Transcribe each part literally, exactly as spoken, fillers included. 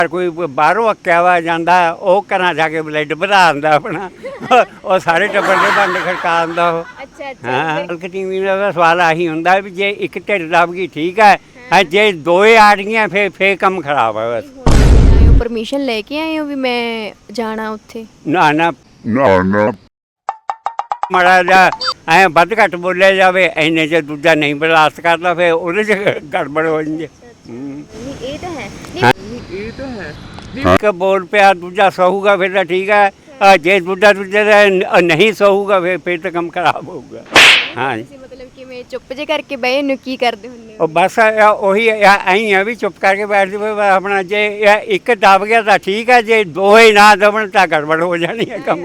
ਕੋਈ ਬਾਹਰੋਂ ਅੱਕਿਆ ਵਾ ਜਾਂਦਾ ਉਹ ਘਰਾਂ ਜਾ ਕੇ ਬਲੱਡ ਵਧਾ ਦਿੰਦਾ ਆਪਣਾ ਉਹ ਸਾਰੇ ਟੱਬਰ ਦੇ ਭਾਂਡੇ ਖੜਕਾ ਦਿੰਦਾ ਉਹ। ਅੱਛਾ ਅੱਛਾ ਹਾਂ ਮਾਲਕ ਟੀਵੀ ਦਾ ਸਵਾਲ ਆਹੀ ਹੁੰਦਾ ਵੀ ਜੇ ਇੱਕ ਢਿੱਡ ਦੱਬ ਗਈ ਠੀਕ ਹੈ, ਹਾਂ ਜੇ ਦੋਏ ਆ ਗਈਆਂ ਫੇਰ ਫੇਰ ਕੰਮ ਖਰਾਬ ਹੈ ਬਸ। ਆਏ ਹੋ ਪਰਮਿਸ਼ਨ ਲੈ ਕੇ ਆਏ ਹੋ ਵੀ ਮੈਂ ਜਾਣਾ ਉੱਥੇ? ਨਾ ਨਾ ਨਾ ਨਾ ਮਾੜਾ ਜਿਹਾ ਐਂ ਵੱਧ ਘੱਟ ਬੋਲਿਆ ਜਾਵੇ ਇੰਨੇ 'ਚ ਦੂਜਾ ਨਹੀਂ ਬਰਦਾਸ਼ਤ ਕਰਦਾ ਫਿਰ ਉਹਦੇ 'ਚ ਗੜਬੜ ਹੋ ਜਾਂਦੀ ਹੈ। ਹੂੰ। ਨਹੀਂ ਇਹ ਤਾਂ ਹੈ ਹਾਂ। ਨਹੀਂ ਇਹ ਤਾਂ ਹੈ ਇੱਕ ਬੋਲ ਪਿਆ ਦੂਜਾ ਸਹੂਗਾ ਫਿਰ ਤਾਂ ਠੀਕ ਹੈ, ਅ ਜੇ ਦੂਜਾ ਦੂਜੇ ਦਾ ਨ- ਨਹੀਂ ਸਹੂਗਾ ਫਿਰ ਫਿਰ ਤਾਂ ਕੰਮ ਖਰਾਬ ਹੋਊਗਾ। ਹਾਂ ਤੁਸੀਂ ਮਤਲਬ ਕਿਵੇਂ ਚੁੱਪ ਜੇ ਕਰਕੇ ਬਹਿ ਨੂੰ ਕੀ ਕਰਦੇ ਹੁੰਦੇ ਹੋ? ਉਹ ਬਸ ਆ ਉਹੀ ਐਂ ਆ ਵੀ ਚੁੱਪ ਕਰਕੇ ਬੈਠ ਜਾਵੇ ਆਪਣਾ ਜੇ ਇਹ ਇੱਕ ਦਬ ਗਿਆ ਤਾਂ ਠੀਕ ਹੈ, ਜੇ ਦੋਏ ਨਾ ਦਬਣ ਤਾਂ ਗੜਬੜ ਹੋ ਜਾਣੀ ਹੈ ਕੰਮ।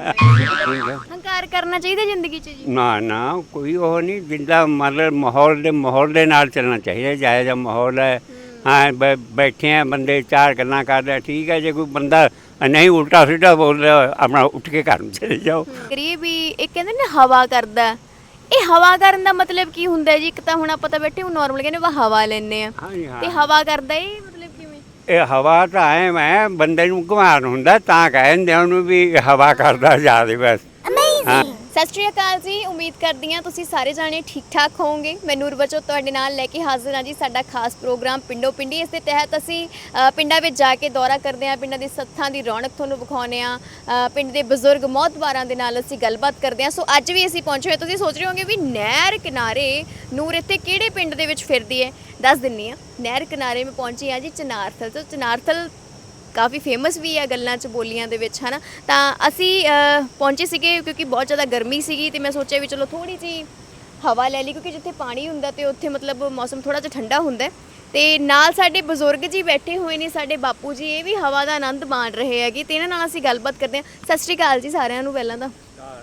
ਹੰਕਾਰ ਕਰਨਾ ਚਾਹੀਦਾ ਜ਼ਿੰਦਗੀ 'ਚ ਜੀ? ਨਾ ਨਾ ਕੋਈ ਉਹ ਨਹੀਂ, ਜਿੰਦਾ ਮਤਲਬ ਮਾਹੌਲ ਦੇ ਮਾਹੌਲ ਦੇ ਨਾਲ ਚੱਲਣਾ ਚਾਹੀਦਾ, ਜਾਇਜ਼ ਜਿਹਾ ਮਾਹੌਲ ਹੈ। ਹਾਂ ਬੈ ਬੈਠੇ ਆ ਬੰਦੇ ਚਾਰ ਗੱਲਾਂ ਕਰਦੇ ਠੀਕ ਹੈ, ਜੇ ਕੋਈ ਬੰਦਾ ਨਹੀਂ ਉਲਟਾ ਸਿੱਧਾ ਬੋਲ ਰਿਹਾ ਆਪਣਾ ਉੱਠ ਕੇ ਘਰ ਨੂੰ ਚਲੇ ਜਾਓ। ਕਰੀਏ ਵੀ ਇਹ ਕਹਿੰਦੇ ਨੇ ਹਵਾ ਕਰਦਾ, ਇਹ ਹਵਾ ਕਰਨ ਦਾ ਮਤਲਬ ਕੀ ਹੁੰਦਾ ਜੀ? ਇੱਕ ਤਾਂ ਹੁਣ ਆਪਾਂ ਤਾਂ ਬੈਠੇ ਹੁਣ ਨਾਰਮਲ ਕਹਿੰਦੇ ਵਾ ਹਵਾ ਲੈਂਦੇ ਆ, ਹਾਂਜੀ ਹਾਂ ਤੇ ਹਵਾ ਕਰਦਾ ਇਹ ਮਤਲਬ ਕਿਵੇਂ? ਇਹ ਹਵਾ ਤਾਂ ਐ ਮੈਂ ਬੰਦੇ ਨੂੰ ਘੁਮਾਉਣ ਹੁੰਦਾ ਤਾਂ ਕਹਿੰਦੇ ਉਹਨੂੰ ਵੀ ਹਵਾ ਕਰਦਾ ਜ਼ਿਆਦਾ ਬਸ। ਹਾਂ ਸਤਿ ਸ਼੍ਰੀ ਅਕਾਲ ਜੀ, ਉਮੀਦ ਕਰਦੀ ਹਾਂ ਤੁਸੀਂ ਸਾਰੇ ਜਾਣੇ ਠੀਕ ਠਾਕ ਹੋਵੋਗੇ। ਮੈਂ ਨੂਰਬਚੋ ਤੁਹਾਡੇ ਨਾਲ ਲੈ ਕੇ ਹਾਜ਼ਰ ਹਾਂ ਜੀ ਸਾਡਾ ਖਾਸ ਪ੍ਰੋਗਰਾਮ ਪਿੰਡੋ ਪਿੰਡੀ। ਇਸ ਦੇ ਤਹਿਤ ਅਸੀਂ ਅ, ਪਿੰਡਾਂ ਵਿੱਚ ਜਾ ਕੇ ਦੌਰਾ ਕਰਦੇ ਹਾਂ, ਪਿੰਡਾਂ ਦੀ ਸੱਥਾਂ ਦੀ ਰੌਣਕ ਤੁਹਾਨੂੰ ਵਿਖਾਉਂਦੇ ਹਾਂ, ਅ, ਪਿੰਡ ਦੇ ਬਜ਼ੁਰਗ ਮੌਤਬਾਰਾਂ ਦੇ ਨਾਲ ਅਸੀਂ ਗੱਲਬਾਤ ਕਰਦੇ ਹਾਂ। ਸੋ ਅੱਜ ਵੀ ਅਸੀਂ ਪਹੁੰਚੇ ਹੋਏ, ਤੁਸੀਂ ਸੋਚ ਰਹੇ ਹੋਵੋਗੇ ਵੀ ਨਹਿਰ ਕਿਨਾਰੇ ਨੂਰ ਇੱਥੇ ਕਿਹੜੇ ਪਿੰਡ ਦੇ ਵਿੱਚ ਫਿਰਦੀ ਹੈ, ਦੱਸ ਦਿੰਨੀ ਹਾਂ। ਨਹਿਰ ਕਿਨਾਰੇ ਮੈਂ ਪਹੁੰਚੀ ਹਾਂ ਜੀ ਚਨਾਰਥਲ ਤੋਂ। ਚਨਾਰਥਲ ਕਾਫੀ ਫੇਮਸ ਵੀ ਹੈ ਗੱਲਾਂ 'ਚ ਬੋਲੀਆਂ ਦੇ ਵਿੱਚ, ਹੈ ਨਾ। ਤਾਂ ਅਸੀਂ ਪਹੁੰਚੇ ਸੀਗੇ ਕਿਉਂਕਿ ਬਹੁਤ ਜ਼ਿਆਦਾ ਗਰਮੀ ਸੀਗੀ, ਤੇ ਮੈਂ ਸੋਚਿਆ ਵੀ ਚਲੋ ਥੋੜ੍ਹੀ ਜਿਹੀ ਹਵਾ ਲੈ ਲਈ, ਕਿਉਂਕਿ ਜਿੱਥੇ ਪਾਣੀ ਹੁੰਦਾ ਤੇ ਉੱਥੇ ਮਤਲਬ ਮੌਸਮ ਥੋੜ੍ਹਾ ਜਿਹਾ ਠੰਡਾ ਹੁੰਦਾ। ਤੇ ਨਾਲ ਸਾਡੇ ਬਜ਼ੁਰਗ ਜੀ ਬੈਠੇ ਹੋਏ ਨੇ, ਸਾਡੇ ਬਾਪੂ ਜੀ, ਇਹ ਵੀ ਹਵਾ ਦਾ ਆਨੰਦ ਮਾਣ ਰਹੇ ਹੈਗੇ, ਤੇ ਇਹਨਾਂ ਨਾਲ ਅਸੀਂ ਗੱਲਬਾਤ ਕਰਦੇ ਹਾਂ। ਸਤਿ ਸ਼੍ਰੀ ਅਕਾਲ ਜੀ ਸਾਰਿਆਂ ਨੂੰ ਪਹਿਲਾਂ ਤਾਂ।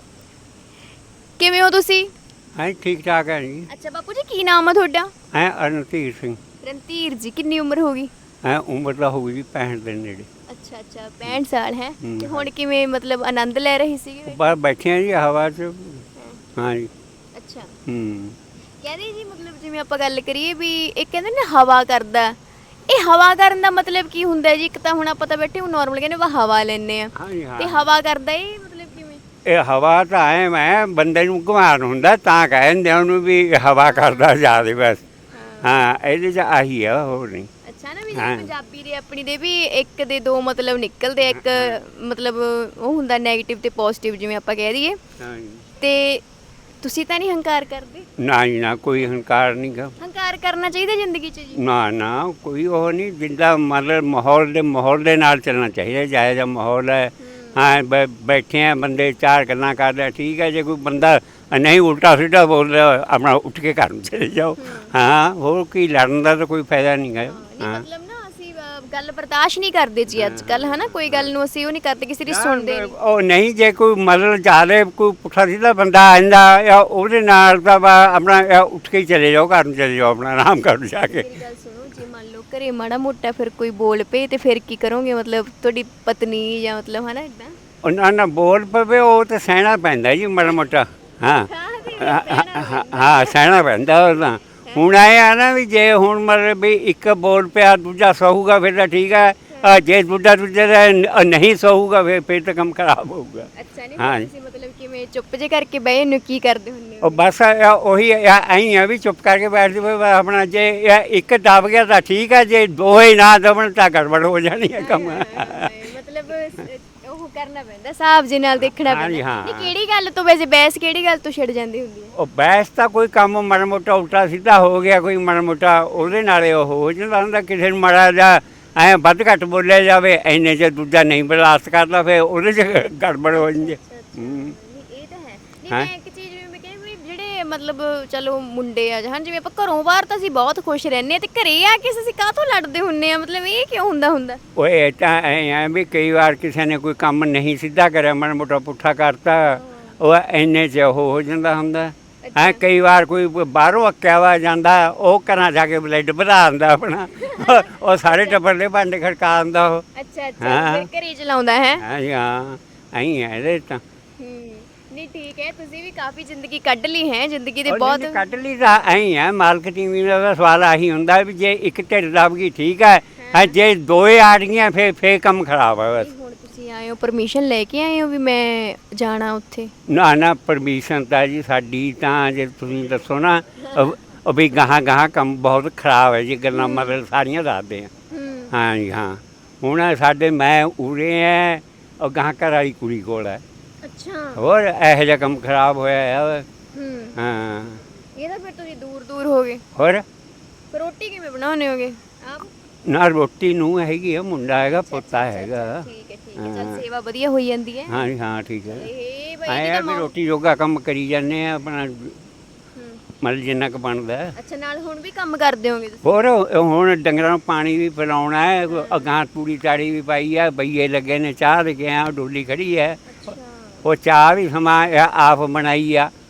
ਕਿਵੇਂ ਹੋ ਤੁਸੀਂ? ਹਾਂ ਠੀਕ ਠਾਕ ਹੈ ਜੀ। ਅੱਛਾ ਬਾਪੂ ਜੀ ਕੀ ਨਾਮ ਆ ਤੁਹਾਡਾ? ਐ ਰਣਧੀਰ ਸਿੰਘ। ਰਣਧੀਰ ਜੀ, ਕਿੰਨੀ ਉਮਰ ਹੋ ਗਈ? ਐ ਉਮਰ ਦਾ ਹੋਊਗੀ ਜੀ ਪੈਂਹਠ ਦੇ ਨੇੜੇ। ਅੱਛਾ ਅੱਛਾ ਪੈਂਹਠ ਸਾਲ ਹੈ। ਹੂੰ, ਤੇ ਹੁਣ ਕਿਵੇਂ ਮਤਲਬ ਆਨੰਦ ਲੈ ਰਹੇ ਸੀਗੇ? ਬਾਹਰ ਬੈਠੇ ਆ ਜੀ ਹਵਾ 'ਚ। ਹਾਂ ਜੀ। ਅੱਛਾ ਹੂੰ ਕਹਿੰਦੇ ਜੀ ਮਤਲਬ ਜਿਵੇਂ ਆਪਾਂ ਗੱਲ ਕਰੀਏ ਵੀ ਇਹ ਕਹਿੰਦੇ ਨੇ ਹਵਾ ਕਰਦਾ, ਇਹ ਹਵਾ ਕਰਨ ਦਾ ਮਤਲਬ ਕੀ ਹੁੰਦਾ ਜੀ? ਇੱਕ ਤਾਂ ਹੁਣ ਆਪਾਂ ਤਾਂ ਬੈਠੇ ਹੁਣ ਨਾਰਮਲ ਕਹਿੰਦੇ ਵਾ ਹਵਾ ਲੈਂਦੇ ਆ, ਹਾਂਜੀ ਹਾਂ ਤੇ ਹਵਾ ਕਰਦਾ ਇਹ ਮਤਲਬ ਕਿਵੇਂ? ਇਹ ਹਵਾ ਤਾਂ ਐ ਮੈਂ ਬੰਦੇ ਨੂੰ ਘੁਮਾਉਣ ਹੁੰਦਾ ਤਾਂ ਕਹਿੰਦੇ ਉਹਨੂੰ ਵੀ ਹਵਾ ਕਰਦਾ ਜ਼ਿਆਦਾ ਬਸ। ਹਾਂ ਇਹਦੇ 'ਚ ਆਹੀ ਆ, ਹੋਰ ਨਹੀਂ। ਅੱਛਾ ਨਾ, ਵੀ ਜਿਵੇਂ ਪੰਜਾਬੀ ਦੇ ਆਪਣੀ ਦੇ ਵੀ ਇੱਕ ਦੇ ਦੋ ਮਤਲਬ ਨਿਕਲਦੇ, ਇੱਕ ਮਤਲਬ ਉਹ ਹੁੰਦਾ ਨੈਗੇਟਿਵ ਤੇ ਪੋਜ਼ਿਟਿਵ ਜਿਵੇਂ ਆਪਾਂ ਕਹਿ ਦਈਏ। ਹਾਂ ਜੀ। ਤੇ ਤੁਸੀਂ ਤਾਂ ਨਹੀਂ ਹੰਕਾਰ ਕਰਦੇ? ਨਾ ਜੀ ਨਾ, ਕੋਈ ਹੰਕਾਰ ਨਹੀਂ ਗਾ। ਹੰਕਾਰ ਕਰਨਾ ਚਾਹੀਦਾ ਜ਼ਿੰਦਗੀ 'ਚ ਜੀ? ਨਾ ਨਾ ਕੋਈ ਉਹ ਨਹੀਂ, ਜਿੰਦਾ ਮਤਲਬ ਮਾਹੌਲ ਦੇ ਮਾਹੌਲ ਦੇ ਨਾਲ ਚੱਲਣਾ ਚਾਹੀਦਾ, ਜਾਇਜ਼ ਜਿਹਾ ਮਾਹੌਲ ਹੈ। ਹਾਂ ਬੈ ਬੈਠੇ ਆ ਬੰਦੇ ਚਾਰ ਗੱਲਾਂ ਕਰਦੇ ਠੀਕ ਹੈ, ਜੇ ਕੋਈ ਬੰਦਾ ਨਹੀਂ ਉਲਟਾ ਸਿੱਧਾ ਬੋਲ ਰਿਹਾ ਆਪਣਾ ਉੱਠ ਕੇ ਘਰ ਨੂੰ ਚਲੇ ਜਾਓ। ਹਾਂ ਹੋਰ ਕੀ, ਲੜਨ ਦਾ ਤਾਂ ਕੋਈ ਫਾਇਦਾ ਨਹੀਂ ਗਾ। ਹਾਂ ਮਤਲਬ ਨਾ ਅਸੀਂ ਅ, ਗੱਲ ਬਰਦਾਸ਼ਤ ਨਹੀਂ ਕਰਦੇ ਜੀ ਅੱਜ ਕੱਲ, ਹੈ ਨਾ। ਕੋਈ ਗੱਲ ਨੂੰ ਅਸੀਂ ਉਹ ਨਹੀਂ ਕਰਦੇ, ਕਿਸੇ ਦੀ ਸੁਣਦੇ ਨਹੀਂ। ਉਹ ਨਹੀਂ, ਜੇ ਕੋਈ ਮਤਲਬ ਜ਼ਿਆਦਾ ਕੋਈ ਪੁੱਠਾ ਸਿੱਧਾ ਬੰਦਾ ਆਂਦਾ ਜਾਂ ਉਹਦੇ ਨਾਲ ਤਾਂ ਵਾ ਆਪਣਾ ਜਾਂ ਉੱਠ ਕੇ ਹੀ ਚਲੇ ਜਾਓ, ਘਰ ਨੂੰ ਚਲੇ ਜਾਓ, ਆਪਣਾ ਆਰਾਮ ਕਰ ਜਾ ਕੇ। ਮੇਰੀ ਗੱਲ ਸੁਣੋ, ਜੇ ਮੰਨ ਲਓ ਘਰੇ ਮਾੜਾ ਮੋਟਾ ਫਿਰ ਕੋਈ ਬੋਲ ਪਏ ਤੇ ਫਿਰ ਕੀ ਕਰੋਗੇ? ਮਤਲਬ ਤੁਹਾਡੀ ਪਤਨੀ ਜਾਂ ਮਤਲਬ ਹੈ ਨਾ ਇਦਾਂ ਉਹ ਨਾ ਨਾ ਬੋਲ ਪਵੇ ਉਹ ਤਾਂ ਸਹਿਣਾ ਪੈਂਦਾ ਜੀ ਮਾੜਾ ਮੋਟਾ। ਹਾਂ ਹਾਂ ਸਹਿਣਾ ਪੈਂਦਾ ਉਹ ਤਾਂ। ਹੁਣ ਆਏ ਆ ਨਾ ਵੀ ਜੇ ਹੁਣ ਮਤਲਬ ਵੀ ਇੱਕ ਬੋਲ ਪਿਆ ਦੂਜਾ ਸਹੂਗਾ ਫਿਰ ਤਾਂ ਠੀਕ ਹੈ, ਅ ਜੇ ਦੂਜਾ ਦੂਜੇ ਦਾ ਨ- ਨਹੀਂ ਸਹੂਗਾ ਫਿਰ ਫਿਰ ਤਾਂ ਕੰਮ ਖਰਾਬ ਹੋਊਗਾ। ਅੱਛਾ ਨਹੀਂ ਹਾਂ ਤੁਸੀਂ ਮਤਲਬ ਕਿਵੇਂ ਚੁੱਪ ਜੇ ਕਰਕੇ ਬਹਿ ਨੂੰ ਕੀ ਕਰਦੇ ਹੁੰਦੇ ਹੋ? ਉਹ ਬਸ ਆ ਉਹੀ ਐਂ ਆ ਵੀ ਚੁੱਪ ਕਰਕੇ ਬੈਠ ਜਾਵੇ ਆਪਣਾ, ਜੇ ਇਹ ਇੱਕ ਦਬ ਗਿਆ ਤਾਂ ਠੀਕ ਹੈ, ਜੇ ਦੋਏ ਨਾ ਦਬਣ ਤਾਂ ਗੜਬੜ ਹੋ ਜਾਣੀ ਹੈ ਕੰਮ। ਮਤਲਬ ਉਹ ਕਰਨਾ ਪੈਂਦਾ, ਹਿਸਾਬ ਜੇ ਨਾਲ ਦੇਖਣਾ ਹਾਂ ਜੀ, ਪੈਂਦਾ। ਹਾਂ। ਨਹੀਂ ਕਿਹੜੀ ਗੱਲ ਤੋਂ ਵੈਸੇ ਬਹਿਸ ਕਿਹੜੀ ਗੱਲ ਤੋਂ ਛਿੜ ਜਾਂਦੀ ਹੁੰਦੀ ਹੈ? ਉਹ ਬਹਿਸ ਤਾਂ ਕੋਈ ਕੰਮ ਮਾੜਾ ਮੋਟਾ ਉਲਟਾ ਸਿੱਧਾ ਹੋ ਗਿਆ, ਕੋਈ ਮਾੜਾ ਮੋਟਾ ਉਹਦੇ ਨਾਲੇ ਉਹ ਹੋ ਜਾਂਦਾ ਹੁੰਦਾ। ਕਿਸੇ ਨੂੰ ਮਾੜਾ ਜਿਹਾ ਐਂ ਵੱਧ ਘੱਟ ਬੋਲਿਆ ਜਾਵੇ ਇੰਨੇ 'ਚ ਦੂਜਾ ਨਹੀਂ ਬਰਦਾਸ਼ਤ ਕਰਦਾ ਫਿਰ ਉਹਦੇ 'ਚ ਗੜਬੜ ਹੋ ਜਾਂਦੀ ਹੈ। ਹੂੰ ਨਹੀਂ ਇਹ ਤਾਂ ਹੈ। ਨਹੀਂ ਮੈਂ ਇੱਕ ਚੀਜ਼ ਜਿਵੇਂ ਮੈਂ ਕਹਿੰਦੀ ਵੀ ਜਿਹੜੇ ਮਤਲਬ ਚਲੋ ਮੁੰਡੇ ਆ ਜਾਂ ਜਿਵੇਂ ਆਪਾਂ ਘਰੋਂ ਬਾਹਰ ਤਾਂ ਅਸੀਂ ਬਹੁਤ ਖੁਸ਼ ਰਹਿੰਦੇ ਆ, ਤੇ ਘਰੇ ਆ ਕੇ ਅਸੀਂ ਕਾਹਤੋਂ ਲੜਦੇ ਹੁੰਨੇ ਆ? ਮਤਲਬ ਇਹ ਕਿਉਂ ਹੁੰਦਾ ਹੁੰਦਾ? ਉਹ ਇਹ ਤਾਂ ਐਂ ਆ ਵੀ ਕਈ ਵਾਰ ਕਿਸੇ ਨੇ ਕੋਈ ਕੰਮ ਨਹੀਂ ਸਿੱਧਾ ਕਰਿਆ, ਮਾੜਾ ਮੋਟਾ ਪੁੱਠਾ ਕਰਤਾ, ਉਹ ਇੰਨੇ 'ਚ ਉਹ ਹੋ ਜਾਂਦਾ ਹੁੰਦਾ। ਹਾਂ ਕਈ ਵਾਰ ਕੋਈ ਬਾਹਰੋਂ ਅੱਕਿਆ ਵਾ ਜਾਂਦਾ ਉਹ ਘਰਾਂ ਜਾ ਕੇ ਬਲੱਡ ਵਧਾ ਦਿੰਦਾ ਆਪਣਾ ਉਹ ਸਾਰੇ ਟੱਬਰ ਦੇ ਭਾਂਡੇ ਖੜਕਾ ਦਿੰਦਾ ਉਹ। ਅੱਛਾ ਅੱਛਾ ਫਿਰ ਘਰੇ ਚਲਾਉਂਦਾ ਹੈ। ਹਾਂ ਜੀ ਹਾਂ ਐਂ ਹੈ ਇਹਦੇ ਤਾਂ। ਨਹੀਂ ਠੀਕ ਹੈ, ਤੁਸੀਂ ਵੀ ਕਾਫੀ ਜ਼ਿੰਦਗੀ ਕੱਢ ਲਈ ਹੈ, ਜ਼ਿੰਦਗੀ ਦੇ ਉਹ ਬਹੁਤ ਨਹੀਂ ਕੱਢ ਲਈ ਤਾਂ ਐਂ ਹੈ, ਮਾਲਕ ਟੀਵੀ ਦਾ ਸਵਾਲ ਆਹੀ ਹੁੰਦਾ ਵੀ ਜੇ ਇੱਕ ਢਿੱਡ ਦੱਬ ਗਈ ਠੀਕ ਹੈ, ਹਾਂ ਜੇ ਦੋਏ ਆ ਗਈਆਂ ਫੇਰ ਫੇਰ ਕੰਮ ਖਰਾਬ ਹੈ ਬਸ। ਹੁਣ ਤੁਸੀਂ ਆਏ ਹੋ ਪਰਮਿਸ਼ਨ ਲੈ ਕੇ ਆਏ ਹੋ ਵੀ ਮੈਂ ਜਾਣਾ ਉੱਥੇ? ਨਾ ਨਾ ਪਰਮਿਸ਼ਨ ਤਾਂ ਜੀ ਸਾਡੀ ਤਾਂ ਜੇ ਤੁਸੀਂ ਦੱਸੋ ਨਾ ਅਹ- ਉਹ ਵੀ ਗਾਹਾਂ ਗਾਹਾਂ ਕੰਮ ਬਹੁਤ ਖਰਾਬ ਹੈ ਜੀ, ਗੱਲਾਂ ਮਤਲਬ ਸਾਰੀਆਂ ਦੱਸਦੇ ਆ। ਹੂੰ ਹਾਂ ਜੀ ਹਾਂ, ਹੁਣ ਸਾਡੇ ਮੈਂ ਉਰੇ ਹੈ, ਉਹ ਗਾਹਾਂ ਘਰ ਵਾਲੀ ਕੁੜੀ ਕੋਲ ਹੈ। ਅੱਛਾ। ਹੋਰ ਇਹੋ ਜਿਹਾ ਕੰਮ ਖਰਾਬ ਹੋਇਆ ਹੈ। ਹੂੰ ਹਾਂ ਇਹ ਤਾਂ ਫਿਰ ਤੁਸੀਂ ਦੂਰ ਦੂਰ ਹੋ ਗਏ। ਹੋਰ ਫਿਰ ਰੋਟੀ ਕਿਵੇਂ ਬਣਾਉਂਦੇ ਹੋਗੇ ਆਪ? ਨਾ ਰੋਟੀ ਨੂੰ ਹੈਗੀ ਆ, ਮੁੰਡਾ ਹੈਗਾ, ਪੋਤਾ ਹੈਗਾ। ਠੀਕ ਹੈ ਠੀਕ ਹੈ, ਚੱਲ ਹਾਂ। ਸੇਵਾ ਵਧੀਆ ਹੋਈ ਜਾਂਦੀ ਹੈ। ਹਾਂ ਜੀ ਹਾਂ ਠੀਕ ਹੈ। ਇਹ ਬਈ ਆਏ ਇਹਦੀ ਆ ਤਾਂ ਵੀ ਮੌ- ਰੋਟੀ ਜੋਗਾ ਕੰਮ ਕਰੀ ਜਾਂਦੇ ਆ ਆਪਣਾ, ਹੂੰ। ਮਤਲਬ ਜਿੰਨਾ ਕੁ ਬਣਦਾ ਹੈ। ਅੱਛਾ, ਨਾਲ ਹੁਣ ਵੀ ਕੰਮ ਕਰਦੇ ਹੋਗੇ ਤੁਸੀਂ? ਹੋਰ ਹੁਣ ਡੰਗਰਾਂ ਨੂੰ ਪਾਣੀ ਵੀ ਪਿਲਾਉਣਾ ਹੈ, ਅਗਾਂਹ ਤੂੜੀ ਤਾੜੀ ਵੀ ਪਾਈ ਹੈ, ਬਈਏ ਲੱਗੇ ਨੇ, ਚਾਹ ਦੇ ਕੇ ਆ, ਡੋਲੀ ਖੜੀ ਹੈ, ਅੱਛਾ। ਉਹ ਚਾਹ ਵੀ ਸਮਾਂ ਆਪ ਬਣਾਈ ਆ।